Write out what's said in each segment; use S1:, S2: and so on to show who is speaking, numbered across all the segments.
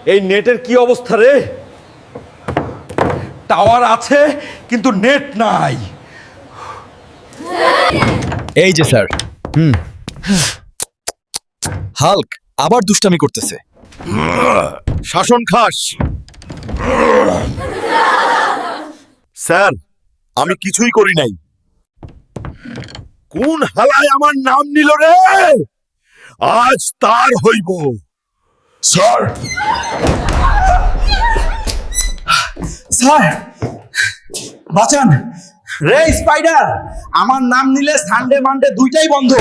S1: এই নেটের কি অবস্থা রে? টাওয়ার আছে কিন্তু নেট নাই।
S2: এই যে স্যার। হাল্ক আবার দুষ্টামি করতেছে।
S3: শাসন খাস। স্যার, আমি কিছুই করি নাই। কোন হালায় আমার নাম নিল রে? আজ তার হইব।
S2: স্যার, স্যার বাঁচান রে স্পাইডার, আমার নাম নিলে সানডে মানডে দুইটাই বন্ধ।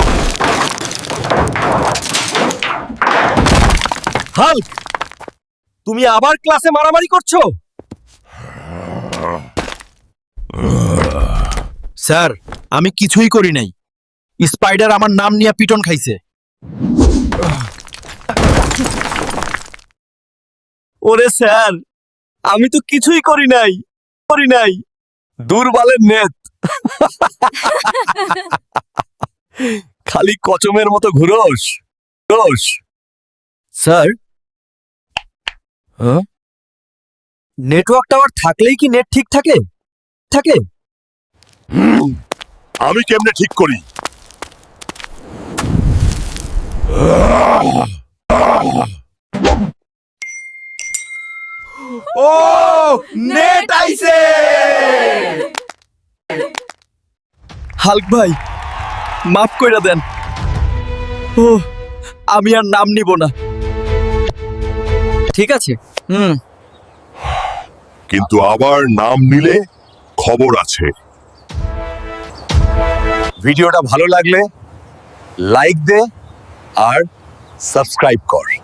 S3: হাল্ক, তুমি আবার ক্লাসে মারামারি করছো?
S2: স্যার, আমি কিছুই করি নাই। স্পাইডার আমার নাম নিয়ে পিটন খাইছে।
S3: ওরে স্যার, আমি তো কিছুই করি নাই। দুর্বলের নেত। খালি কচমের মতো ঘুরোস।
S2: স্যার, নেটওয়ার্ক টাওয়ার থাকলেই কি নেট ঠিক থাকে?
S3: আমি কেমনে ঠিক করি?
S1: ও নেট আইছে।
S2: হাল্ক ভাই, মাফ কইরা দেন। ও, আমি আর নাম নিব না। ঠিক আছে।
S3: কিন্তু আবার নাম নিলে খবর আছে। ভিডিওটা ভালো লাগলে লাইক দে আর সাবস্ক্রাইব কর।